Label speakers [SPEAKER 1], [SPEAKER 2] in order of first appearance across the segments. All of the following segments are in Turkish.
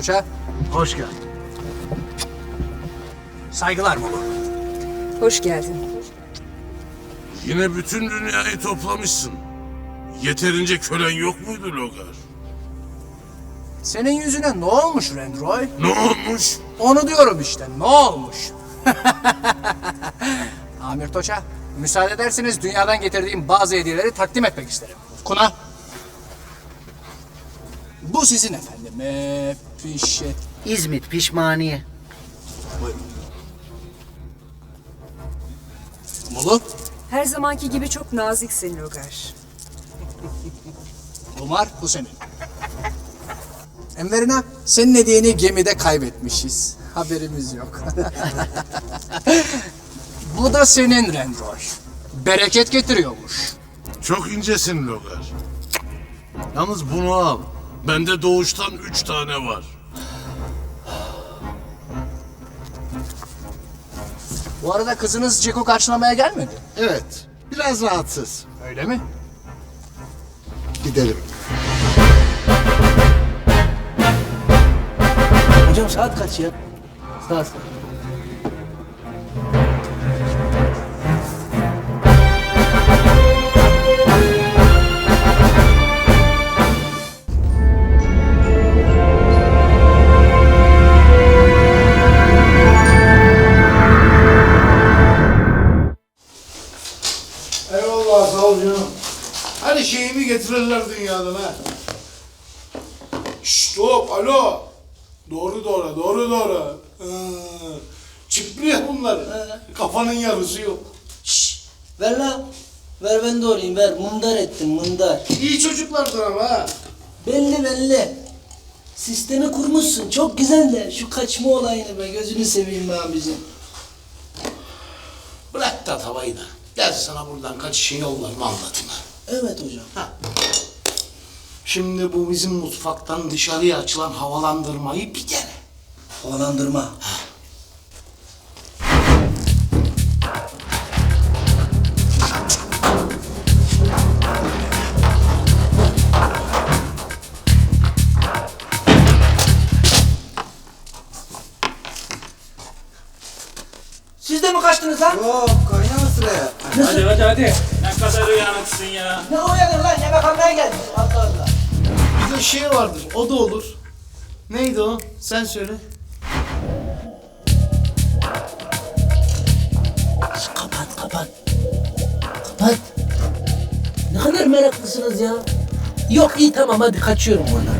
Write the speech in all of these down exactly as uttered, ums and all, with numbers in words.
[SPEAKER 1] Toça.
[SPEAKER 2] Hoş geldin.
[SPEAKER 1] Saygılar Mulu.
[SPEAKER 3] Hoş geldin.
[SPEAKER 4] Yine bütün dünyayı toplamışsın. Yeterince kölen yok muydu Logar?
[SPEAKER 1] Senin yüzüne ne olmuş Rendroy?
[SPEAKER 4] Ne olmuş?
[SPEAKER 1] Onu diyorum işte, ne olmuş? Amir Toça, müsaade ederseniz dünyadan getirdiğim bazı hediyeleri takdim etmek isterim. Kuna. Bu sizin efendim. Ee, pişe...
[SPEAKER 2] İzmit pişmaniye.
[SPEAKER 1] Buyurun. Mulu.
[SPEAKER 3] Her zamanki gibi çok naziksin Logar.
[SPEAKER 1] Umar, bu senin. Enverina, senin hediyeni gemide kaybetmişiz. Haberimiz yok. Bu da senin Rendroy. Bereket getiriyormuş.
[SPEAKER 4] Çok incesin Logar.
[SPEAKER 2] Yalnız bunu al.
[SPEAKER 4] Bende doğuştan üç tane var.
[SPEAKER 1] Bu arada kızınız Ceko karşılamaya gelmedi.
[SPEAKER 2] Evet. Biraz rahatsız.
[SPEAKER 1] Öyle mi?
[SPEAKER 2] Gidelim.
[SPEAKER 5] Hocam saat kaç ya? Saat.
[SPEAKER 6] Eyvallah sağ ol canım. Hadi şeyimi getirirler dünyadan ha. Şşt hop alo. Doğru doğru doğru doğru. Ee, çipliyor bunlar. Kafanın yarısı yok.
[SPEAKER 5] Şşş. Ver lan. Ver ben doğrayayım ver. Mındar ettim mındar.
[SPEAKER 6] İyi çocuklardır ama ha.
[SPEAKER 5] Belli belli. Sistemi kurmuşsun. Çok güzel de şu kaçma olayını be gözünü seveyim be abicim.
[SPEAKER 6] Bırak da tavayı da. Gel sana buradan kaçışın yollarını anlatayım ha.
[SPEAKER 5] Evet hocam.
[SPEAKER 6] Ha. Şimdi bu bizim mutfaktan dışarıya açılan havalandırmayı bir dene.
[SPEAKER 5] Havalandırma. Siz de mi kaçtınız lan?
[SPEAKER 7] Hop kaynama sıraya.
[SPEAKER 8] Hadi hadi hadi. Ne kadar uyanıksın ya.
[SPEAKER 5] Ne uyanır lan? Yemek almaya geldim. Allah Allah.
[SPEAKER 6] Bir de şey vardır, o da olur. Neydi o? Sen söyle.
[SPEAKER 5] Şş, kapat kapat. Kapat. Ne kadar meraklısınız ya. Yok iyi tamam hadi kaçıyorum buradan.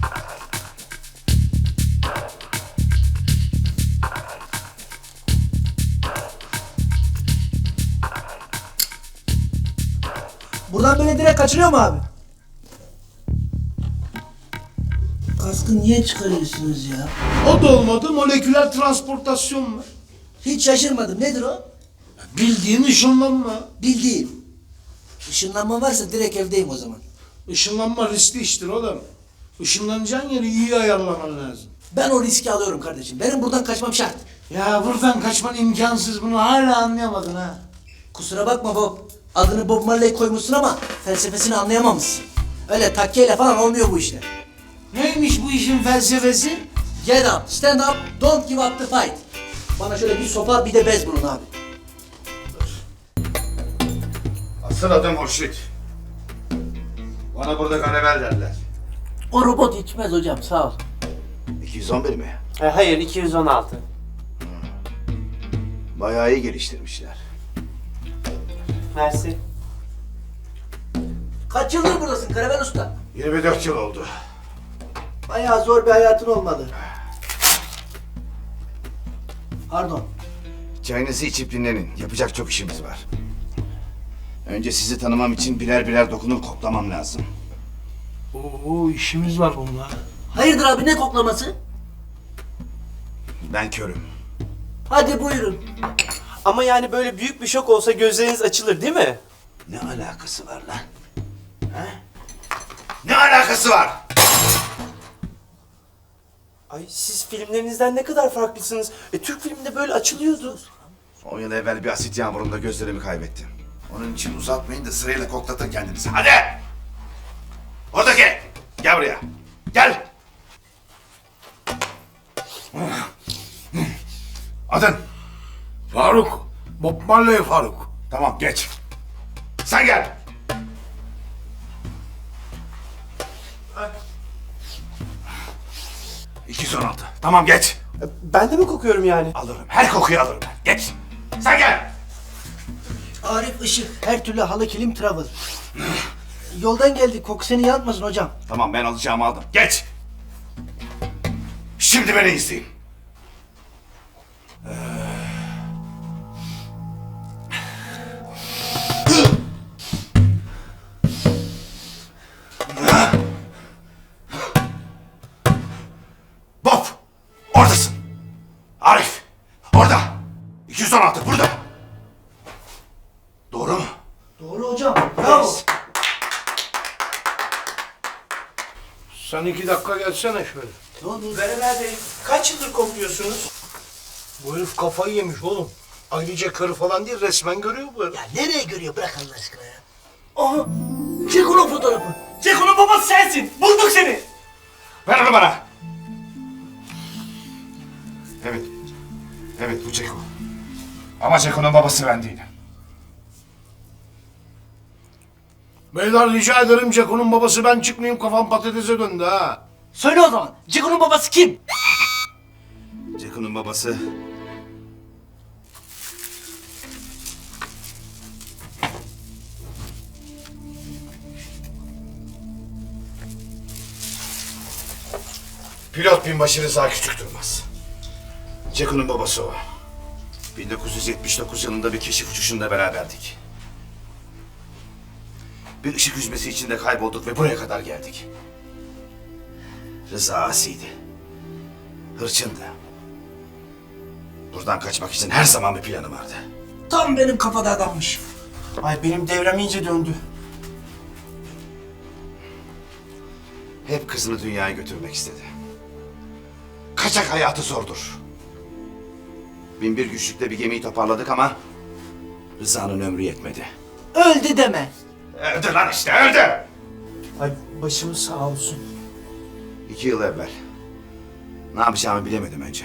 [SPEAKER 5] Buradan böyle direkt kaçırıyor mu abi? Kaskı niye çıkarıyorsunuz ya?
[SPEAKER 6] O da olmadı, moleküler transportasyon var.
[SPEAKER 5] Hiç şaşırmadım. Nedir o?
[SPEAKER 6] Bildiğin ışınlanma.
[SPEAKER 5] Bildiğim. Işınlanma varsa direkt evdeyim o zaman.
[SPEAKER 6] Işınlanma riskli iştir oğlum. Işınlanacağın yeri iyi ayarlaman lazım.
[SPEAKER 5] Ben o riski alıyorum kardeşim. Benim buradan kaçmam şart.
[SPEAKER 6] Ya buradan kaçman imkansız, bunu hala anlayamadın ha.
[SPEAKER 5] Kusura bakma Bob. Adını Bob Marley koymuşsun ama felsefesini anlayamamışsın. Öyle takkeyle falan olmuyor bu işler.
[SPEAKER 6] Neymiş bu işin felsefesi?
[SPEAKER 5] Get up, stand up, don't give up the fight. Bana şöyle bir sopa bir de bez bulun abi.
[SPEAKER 7] Asıl adım Hurşit. Bana burada Ganevel derler.
[SPEAKER 5] O robot içmez hocam sağ ol.
[SPEAKER 7] iki yüz on bir mi?
[SPEAKER 8] E, hayır iki yüz on altı.
[SPEAKER 7] Bayağı iyi geliştirmişler.
[SPEAKER 8] Mersi.
[SPEAKER 5] Kaç yıldır buradasın Karavel Usta?
[SPEAKER 7] yirmi dört yıl oldu.
[SPEAKER 5] Bayağı zor bir hayatın olmadı. Pardon.
[SPEAKER 7] Çayınızı içip dinlenin. Yapacak çok işimiz var. Önce sizi tanımam için birer birer dokunup koklamam lazım.
[SPEAKER 6] Oo işimiz var bununla.
[SPEAKER 5] Hayırdır abi ne koklaması?
[SPEAKER 7] Ben körüm.
[SPEAKER 5] Hadi buyurun.
[SPEAKER 8] Ama yani böyle büyük bir şok olsa gözleriniz açılır değil mi?
[SPEAKER 7] Ne alakası var lan? Ha? Ne alakası var?
[SPEAKER 8] Ay siz filmlerinizden ne kadar farklısınız. E, Türk filminde böyle açılıyordu.
[SPEAKER 7] On yıl evvel bir asit yağmurunda gözlerimi kaybettim. Onun için uzatmayın da sırayla koklatın kendinizi. Hadi! Oradaki! Gel buraya. Gel! Adın?
[SPEAKER 6] Faruk. Bob Marley Faruk.
[SPEAKER 7] Tamam geç. Sen gel. iki yüz on altı. Tamam geç.
[SPEAKER 8] Ben de mi kokuyorum yani?
[SPEAKER 7] Alırım. Her kokuyu alırım ben. Geç. Sen gel.
[SPEAKER 5] Arif Işık, her türlü halı kilim travel. Yoldan geldik, koku seni yanmasın hocam.
[SPEAKER 7] Tamam ben alacağımı aldım. Geç. Şimdi beni izleyin. Bob, oradasın. Arif, orada. iki yüz on altı burada. Doğru mu?
[SPEAKER 5] Doğru hocam, bravo.
[SPEAKER 6] Sen iki dakika gelsene şöyle.
[SPEAKER 5] Ne oldu?
[SPEAKER 8] Verever Bey, kaç yıldır kokluyorsunuz?
[SPEAKER 6] Bu herif kafayı yemiş oğlum. Ayrıca karı falan değil, resmen görüyor bu herif.
[SPEAKER 5] Ya nereye görüyor, bırak Allah aşkına ya. Aha, çek onun fotoğrafı.
[SPEAKER 8] Ceko'nun babası sensin. Bulduk seni.
[SPEAKER 7] Ver onu bana. Evet. Evet bu Ceko. Ama Ceko'nun babası ben değilim.
[SPEAKER 6] Beyler rica ederim Ceko'nun babası ben çıkmayayım, kafam patatese döndü ha.
[SPEAKER 5] Söyle o zaman, Ceko'nun babası kim?
[SPEAKER 7] Ceko'nun babası... Pilot binbaşı Rıza Küçük Durmaz. Ceko'nun babası o. bin dokuz yüz yetmiş dokuz yılında bir keşif uçuşunda beraberdik. Bir ışık hüzmesi içinde kaybolduk ve buraya kadar geldik. Rıza asiydi. Hırçındı. Buradan kaçmak için her zaman bir planı vardı.
[SPEAKER 5] Tam benim kafada adammış.
[SPEAKER 8] Ay benim devrem iyice döndü.
[SPEAKER 7] Hep kızını dünyaya götürmek istedi. Kaçak hayatı zordur. Bin bir güçlükle bir gemiyi toparladık ama... Rıza'nın ömrü yetmedi.
[SPEAKER 5] Öldü deme.
[SPEAKER 7] Öldü lan işte, öldü!
[SPEAKER 8] Ay başımız sağ olsun.
[SPEAKER 7] İki yıl evvel. Ne yapacağımı bilemedim önce.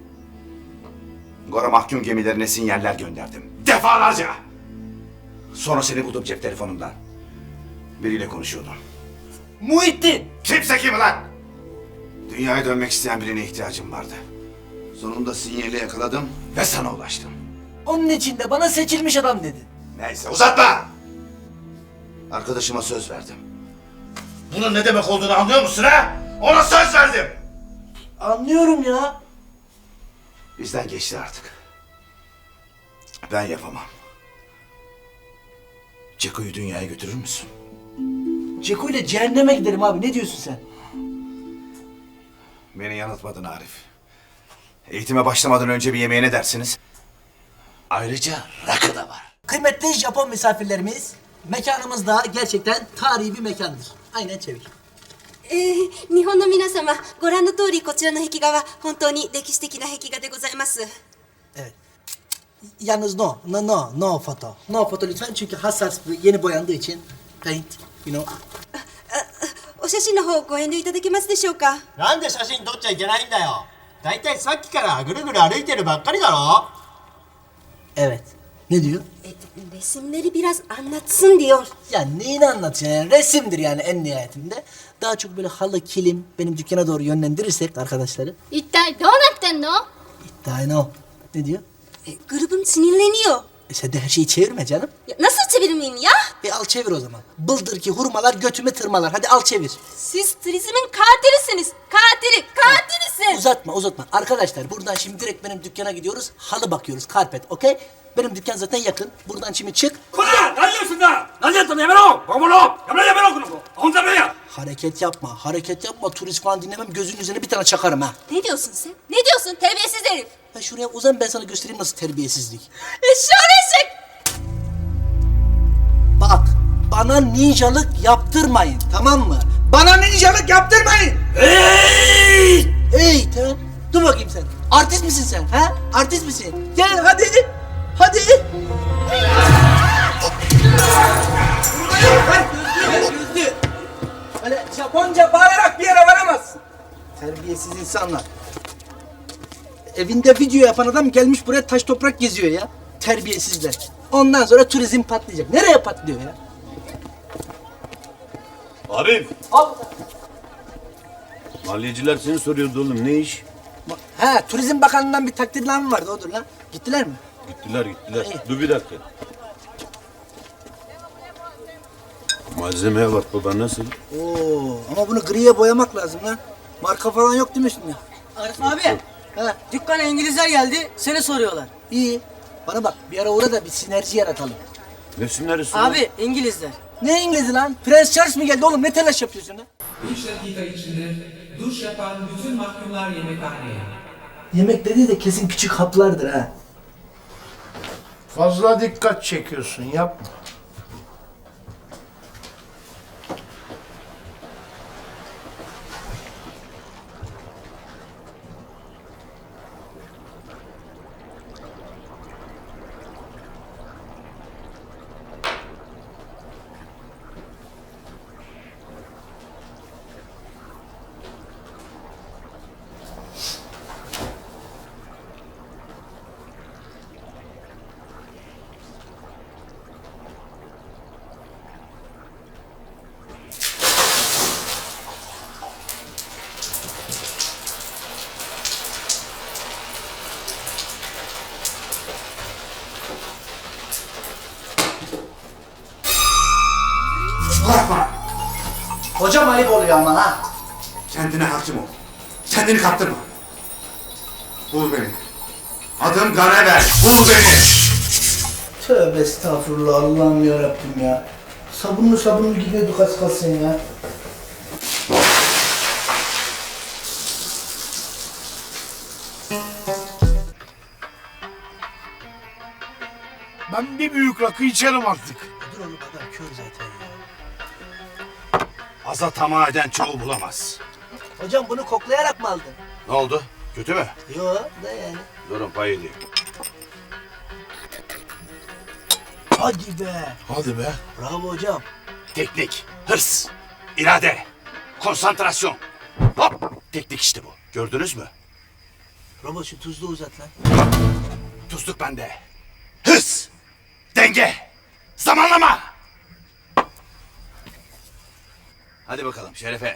[SPEAKER 7] Gora mahkum gemilerine sinyaller gönderdim. Defalarca! Sonra seni buldum cep telefonumdan. Biriyle konuşuyordum.
[SPEAKER 5] Muhittin.
[SPEAKER 7] Kimse kim lan? Dünyaya dönmek isteyen birine ihtiyacım vardı. Sonunda sinyali yakaladım ve sana ulaştım.
[SPEAKER 5] Onun için de bana seçilmiş adam dedi.
[SPEAKER 7] Neyse uzatma! Arkadaşıma söz verdim. Bunun ne demek olduğunu anlıyor musun ha? Ona söz verdim!
[SPEAKER 5] Anlıyorum ya.
[SPEAKER 7] Bizden geçti artık. Ben yapamam. Ceko'yu dünyaya götürür müsün?
[SPEAKER 5] Ceko ile cehenneme gidelim abi, ne diyorsun sen?
[SPEAKER 7] Beni yanıltmadın Arif. Eğitime başlamadan önce bir yemeğe ne dersiniz? Ayrıca rakı da var.
[SPEAKER 5] Kıymetli Japon misafirlerimiz, mekanımız da gerçekten tarihi bir mekandır. Aynen çevir.
[SPEAKER 9] えー日本の皆様、ご覧の通りこちらの壁画は本当に歴史的な壁画でございます。
[SPEAKER 5] Evet. Yalnız no, no, no, no foto. No foto lütfen çünkü hassas, yeni boyandığı için paint, you know.
[SPEAKER 9] お写真の方ご遠慮いただけますでしょうか。
[SPEAKER 10] なんで写真撮っちゃいけないんだよ。だいたいさっきからぐるぐる歩いてるばっかりだろ。
[SPEAKER 5] Evet. Ne diyor?
[SPEAKER 9] E, resimleri biraz anlatsın diyor.
[SPEAKER 5] Ya neyini anlatıyor yani? Resimdir yani en nihayetinde. Daha çok böyle halı, kilim benim dükkana doğru yönlendirirsek arkadaşları.
[SPEAKER 9] 一体どうなってんの？
[SPEAKER 5] İddia ne o? Ne diyor?
[SPEAKER 9] E, grubum sinirleniyor.
[SPEAKER 5] E sen de her şeyi çevirme canım.
[SPEAKER 9] Ya, nasıl çevirmeyeyim ya?
[SPEAKER 5] E al çevir o zaman. Bıldır ki hurmalar götümü tırmalar. Hadi al çevir.
[SPEAKER 9] Siz turizmin katilisiniz. Katili, katilisin.
[SPEAKER 5] Uzatma uzatma. Arkadaşlar buradan şimdi direkt benim dükkana gidiyoruz. Halı bakıyoruz. Karpet, okey? Benim dükkan zaten yakın. Buradan şimdi çık. Hareket yapma, hareket yapma. Turist falan dinlemem. Gözünün üzerine bir tane çakarım ha.
[SPEAKER 9] Ne diyorsun sen? Ne diyorsun terbiyesiz herif?
[SPEAKER 5] Ha şuraya uzan, ben sana göstereyim nasıl terbiyesizlik.
[SPEAKER 9] Eşşoğlu eşek.
[SPEAKER 5] Bak, bana ninjalık yaptırmayın, tamam mı? Bana ninjalık yaptırmayın. Hey! Hey, tamam. Dur bakayım sen. Artist misin sen, ha? Artist misin? Gel hadi. Hadi. Gözlü, gözlü. Böyle Japonca bağırarak bir yere varamazsın. Terbiyesiz insanlar. Evinde video yapan adam gelmiş buraya taş toprak geziyor ya. Terbiyesizler. Ondan sonra turizm patlayacak. Nereye patlıyor ya?
[SPEAKER 11] Arif,
[SPEAKER 5] Al.
[SPEAKER 11] maliyeciler seni soruyordu oğlum. Ne iş?
[SPEAKER 5] Ha, Turizm Bakanlığı'ndan bir takdirname vardı, odur lan. Gittiler mi?
[SPEAKER 11] Gittiler gittiler.
[SPEAKER 5] İyi.
[SPEAKER 11] Dur bir dakika. Malzemeye bak baba, nasıl?
[SPEAKER 5] Oo, ama bunu griye boyamak lazım lan. Marka falan yok değil mi üstünde?
[SPEAKER 12] Arif abi,
[SPEAKER 5] Ha,
[SPEAKER 12] dükkana İngilizler geldi, seni soruyorlar.
[SPEAKER 5] iyi. Bana bak, bir ara uğra da bir sinerji yaratalım.
[SPEAKER 11] Nesin neresi?
[SPEAKER 12] Abi, İngilizler.
[SPEAKER 5] Ne İngiliz'i lan? Prens Charles mi geldi oğlum? Ne telaş yapıyorsun lan?
[SPEAKER 13] beş dakika içinde duş yapan bütün mahkumlar yemekhaneye.
[SPEAKER 5] Yemek dediği de kesin küçük haplardır ha.
[SPEAKER 2] Fazla dikkat çekiyorsun, yapma.
[SPEAKER 5] Hocam ayıp oluyor ama ha.
[SPEAKER 7] Kendine hakim ol. Kendini kaptırma. Bul beni. Adım Ganever. Bul beni.
[SPEAKER 5] Tövbe estağfurullah, Allah'ım yarabbim ya. Sabunlu sabunlu gidiyorduk az kalsın ya.
[SPEAKER 2] Ben bir büyük rakı içerim artık.
[SPEAKER 5] Dur oğlum, adam kör zaten ya.
[SPEAKER 7] Aza tamah eden çoğu bulamaz.
[SPEAKER 5] Hocam bunu koklayarak mı aldın?
[SPEAKER 7] Ne oldu? Kötü mü?
[SPEAKER 5] Yo da yani.
[SPEAKER 7] Durun pay edeyim.
[SPEAKER 5] Hadi be.
[SPEAKER 2] Hadi be.
[SPEAKER 5] Bravo hocam.
[SPEAKER 7] Teknik, hırs, irade, konsantrasyon. Hop! Teknik işte bu. Gördünüz mü?
[SPEAKER 5] Robot şu tuzlu uzat lan.
[SPEAKER 7] Tuzluk bende. Hırs, denge, zamanlama. Hadi bakalım Şerefe.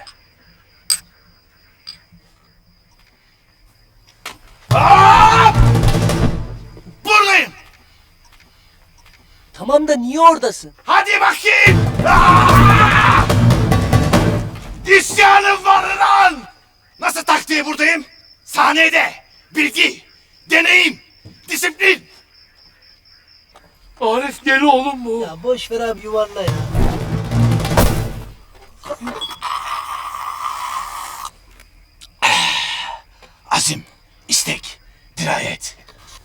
[SPEAKER 7] Hop! Buradayım.
[SPEAKER 5] Tamam da niye oradasın?
[SPEAKER 7] Hadi bakayım. Aa! İsyanım var lan. Nasıl tak diye buradayım? Sahnede bilgi, deneyim, disiplin.
[SPEAKER 2] Arif gel oğlum bu.
[SPEAKER 5] Ya boş ver abi, yuvarla ya.
[SPEAKER 7] Azim, istek, dirayet.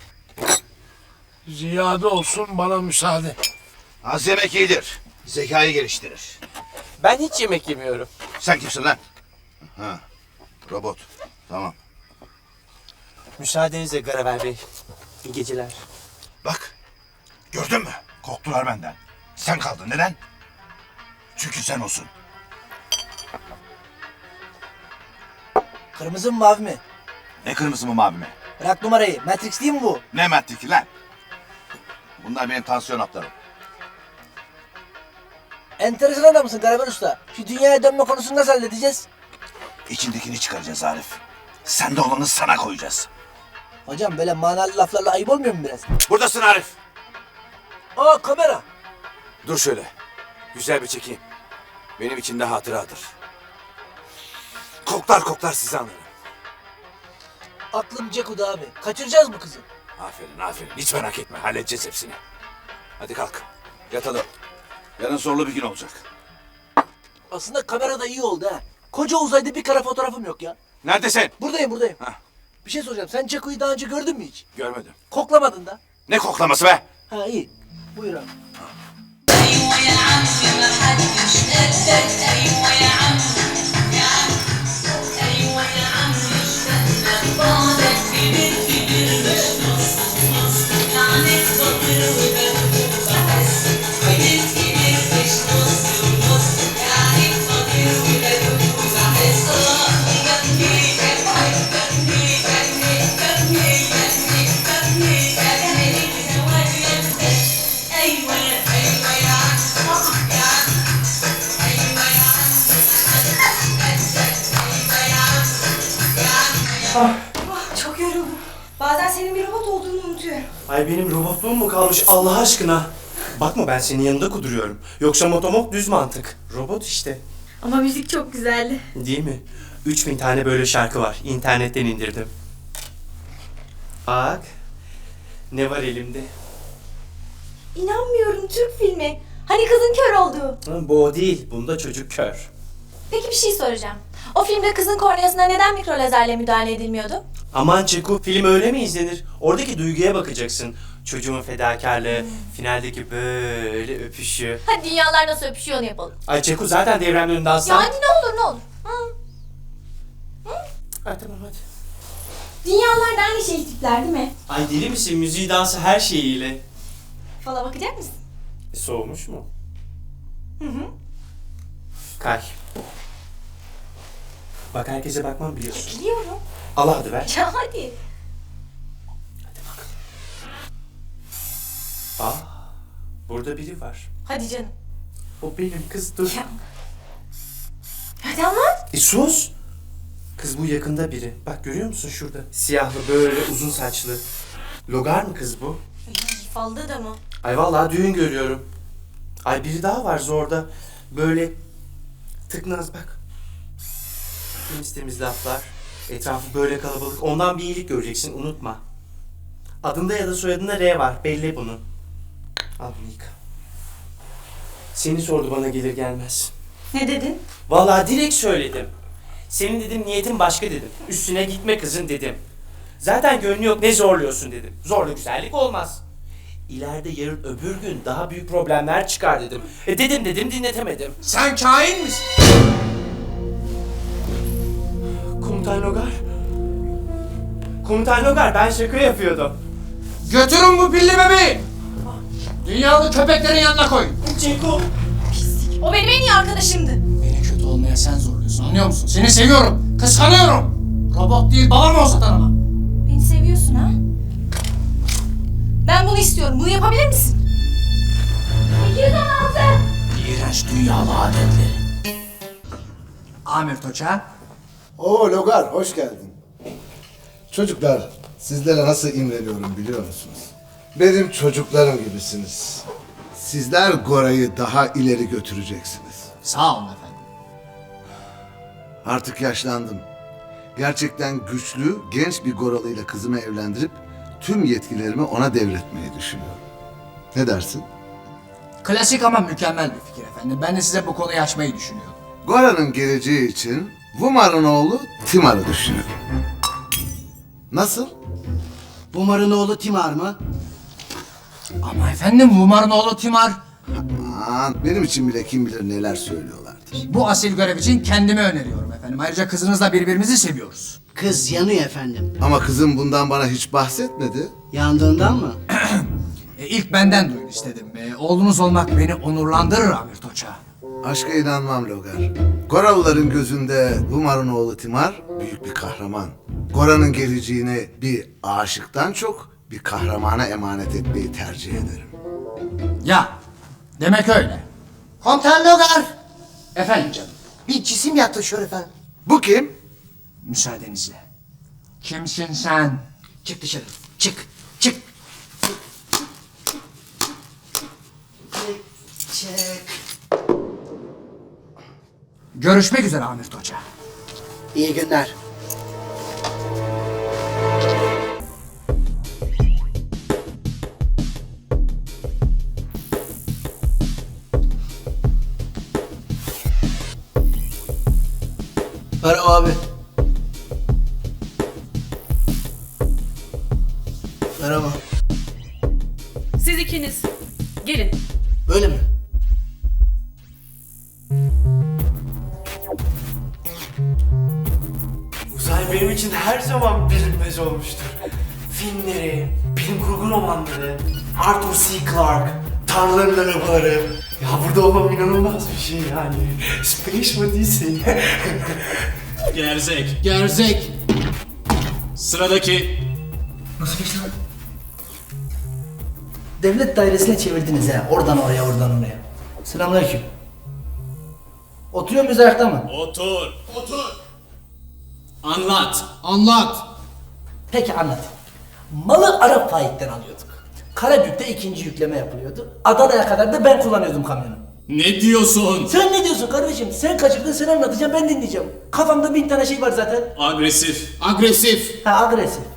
[SPEAKER 2] Ziyade olsun, bana müsaade.
[SPEAKER 7] Az yemek iyidir. Zekayı geliştirir.
[SPEAKER 8] Ben hiç yemek yemiyorum.
[SPEAKER 7] Sen kimsin lan? Ha, robot. Tamam.
[SPEAKER 8] Müsaadenizle Garaver Bey. İyi geceler.
[SPEAKER 7] Bak, gördün mü? Korktular benden. Sen kaldın. Neden? Çünkü sen olsun.
[SPEAKER 5] Kırmızı mı mavi mi?
[SPEAKER 7] Ne kırmızı mı mavi mi?
[SPEAKER 5] Bırak numarayı. Matrix değil mi bu?
[SPEAKER 7] Ne Matrix'i lan? Bunlar benim tansiyon haplarım.
[SPEAKER 5] Enteresan adamsın Karaman Usta. Şu dünyaya dönme konusunu nasıl halledeceğiz?
[SPEAKER 7] İçindekini çıkaracağız Arif. Sende olanı sana koyacağız.
[SPEAKER 5] Hocam böyle manalı laflarla ayıp olmuyor mu biraz?
[SPEAKER 7] Buradasın Arif.
[SPEAKER 5] Aa, kamera.
[SPEAKER 7] Dur şöyle. Güzel bir çekeyim. Benim için de hatıradır. Koklar koklar sizi anlarım.
[SPEAKER 5] Aklım Ceku'da abi. Kaçıracağız mı kızı?
[SPEAKER 7] Aferin aferin. Hiç merak etme. Halledeceğiz hepsini. Hadi kalk. Yatalım. Yarın zorlu bir gün olacak.
[SPEAKER 5] Aslında kamera da iyi oldu ha. Koca uzayda bir kare fotoğrafım yok ya.
[SPEAKER 7] Neredesin?
[SPEAKER 5] Buradayım buradayım.
[SPEAKER 7] Hah.
[SPEAKER 5] Bir şey soracağım. Sen Ceku'yu daha önce gördün mü hiç?
[SPEAKER 7] Görmedim.
[SPEAKER 5] Koklamadın da.
[SPEAKER 7] Ne koklaması be?
[SPEAKER 5] Ha iyi. Buyur abi.
[SPEAKER 13] Yeah.
[SPEAKER 14] olduğunu unutuyorum.
[SPEAKER 8] Ay benim robotluğum mu kalmış Allah aşkına? Bakma ben senin yanında kuduruyorum. Yoksa motomok düz mantık. Robot işte.
[SPEAKER 14] Ama müzik çok güzeldi.
[SPEAKER 8] Değil mi? üç bin tane böyle şarkı var. İnternetten indirdim. Bak. Ne var elimde?
[SPEAKER 14] İnanmıyorum, Türk filmi. Hani kızın kör olduğu.
[SPEAKER 8] Ha, bu o değil. Bunda çocuk kör.
[SPEAKER 14] Peki bir şey soracağım. O filmde kızın korneasına neden mikro lazerle müdahale edilmiyordu?
[SPEAKER 8] Aman Çeko, film öyle mi izlenir? Oradaki duyguya bakacaksın. Çocuğun fedakarlığı, hmm. finaldeki böyle öpüşü.
[SPEAKER 14] Hadi dünyalar nasıl öpüşüyor onu yapalım.
[SPEAKER 8] Ay Çeko zaten devremin önünde aslan.
[SPEAKER 14] Ya hadi ne olur ne olur. Hı. Hı?
[SPEAKER 8] Ay tamam hadi.
[SPEAKER 14] Dünyalar da aynı şey tipler değil mi?
[SPEAKER 8] Ay deli misin? Müziği, dansı her şeyiyle.
[SPEAKER 14] Fala bakacak mısın?
[SPEAKER 8] E, soğumuş mu?
[SPEAKER 14] Hı hı.
[SPEAKER 8] Kay. Bak herkese bakmam biliyorsun.
[SPEAKER 14] Biliyorum.
[SPEAKER 8] Allah hadi ver.
[SPEAKER 14] Ya hadi.
[SPEAKER 8] Hadi bakalım. Aa, burada biri var.
[SPEAKER 14] Hadi canım.
[SPEAKER 8] O benim kız dur.
[SPEAKER 14] Ya. Hadi anlat.
[SPEAKER 8] E sus. Kız bu yakında biri. Bak görüyor musun şurada? Siyahlı böyle uzun saçlı. Logar mı kız bu?
[SPEAKER 14] Ay, falda da mı?
[SPEAKER 8] Ay vallahi düğün görüyorum. Ay biri daha var zorda. Böyle tıknaz bak. Temiz temiz laflar. Etrafı böyle kalabalık. Ondan bir iyilik göreceksin unutma. Adında ya da soyadında R var. Belli bunu. Al bunu yıka. Seni sordu bana gelir gelmez.
[SPEAKER 14] Ne dedin?
[SPEAKER 8] Vallahi direkt söyledim. Senin dedim niyetin başka dedim. Üstüne gitme kızın dedim. Zaten gönlü yok ne zorluyorsun dedim. Zorla güzellik olmaz. İleride yarın öbür gün daha büyük problemler çıkar dedim. E dedim dedim dinletemedim.
[SPEAKER 1] Sen kain misin?
[SPEAKER 8] Komutan Logar. Komutan Logar ben şaka yapıyordum.
[SPEAKER 1] Götürün bu pilli bebeği. Dünyalı köpeklerin yanına koyun.
[SPEAKER 8] Ceko.
[SPEAKER 14] Pislik. O benim en iyi arkadaşımdı.
[SPEAKER 1] Beni kötü olmaya sen zorluyorsun anlıyor musun? Seni seviyorum. Kıskanıyorum. Robot değil babam o satan ama.
[SPEAKER 14] Beni seviyorsun ha? Ben bunu istiyorum. Bunu yapabilir misin? iki yüz on altı.
[SPEAKER 1] İğrenç dünyalı adetleri. Amir Toça.
[SPEAKER 15] Oo Logar, hoş geldin. Çocuklar, sizlere nasıl imreniyorum biliyor musunuz? Benim çocuklarım gibisiniz. Sizler Gora'yı daha ileri götüreceksiniz.
[SPEAKER 1] Sağ olun efendim.
[SPEAKER 15] Artık yaşlandım. Gerçekten güçlü, genç bir Goralı'yla kızımı evlendirip tüm yetkilerimi ona devretmeyi düşünüyorum. Ne dersin?
[SPEAKER 1] Klasik ama mükemmel bir fikir efendim. Ben de size bu konuyu açmayı düşünüyorum.
[SPEAKER 15] Gora'nın geleceği için Vumar'ın oğlu Timar'ı düşünüyorum. Nasıl?
[SPEAKER 5] Bumar'ın oğlu Timar mı?
[SPEAKER 1] Ama efendim Vumar'ın oğlu Timar.
[SPEAKER 15] Aman benim için bile kim bilir neler söylüyorlardır.
[SPEAKER 1] Bu asil görev için kendimi öneriyorum efendim. Ayrıca kızınızla birbirimizi seviyoruz.
[SPEAKER 5] Kız yanıyor efendim.
[SPEAKER 15] Ama kızım bundan bana hiç bahsetmedi.
[SPEAKER 5] Yandığından mı?
[SPEAKER 1] e, ilk benden duyun istedim. E, oğlunuz olmak beni onurlandırır Amir Toça.
[SPEAKER 15] Aşka inanmam Logar. Goralıların gözünde Vumar'ın oğlu Timar büyük bir kahraman. Gora'nın geleceğini bir aşıktan çok bir kahramana emanet etmeyi tercih ederim.
[SPEAKER 1] Ya, demek öyle.
[SPEAKER 5] Komutan Logar.
[SPEAKER 1] Efendim canım.
[SPEAKER 5] Bir cisim yaklaşıyor efendim.
[SPEAKER 15] Bu kim?
[SPEAKER 1] Müsaadenizle. Kimsin sen?
[SPEAKER 5] Çık dışarı. Çık. Çık. Çık.
[SPEAKER 1] Görüşmek üzere Amir Toça.
[SPEAKER 5] İyi günler. Merhaba abi. Merhaba.
[SPEAKER 16] Siz ikiniz. Gelin.
[SPEAKER 5] Böyle mi?
[SPEAKER 8] Uzay benim için her zaman bilinmez olmuştur. Filmleri, bilim kurgu romanları, Arthur C. Clarke, Tanrıların Arabaları. Ya burada olmam inanılmaz bir şey yani. Space mı değilsin?
[SPEAKER 17] Gerzek. Gerzek. Sıradaki.
[SPEAKER 5] Nasıl geçti lan? Devlet dairesine çevirdiniz ha. Oradan oraya, oradan oraya. Selamünaleyküm. Oturuyor muyuz ayakta mı?
[SPEAKER 17] Otur. Otur. Anlat. Anlat.
[SPEAKER 5] Peki anlat. Malı Arap Faik'ten alıyorduk. Karabük'te ikinci yükleme yapılıyordu. Adana'ya kadar da ben kullanıyordum kamyonu.
[SPEAKER 17] Ne diyorsun?
[SPEAKER 5] Sen ne diyorsun kardeşim? Sen kaçırdın, sen anlatacaksın, ben dinleyeceğim. Kafamda bin tane şey var zaten.
[SPEAKER 17] Agresif. Agresif.
[SPEAKER 5] Ha agresif.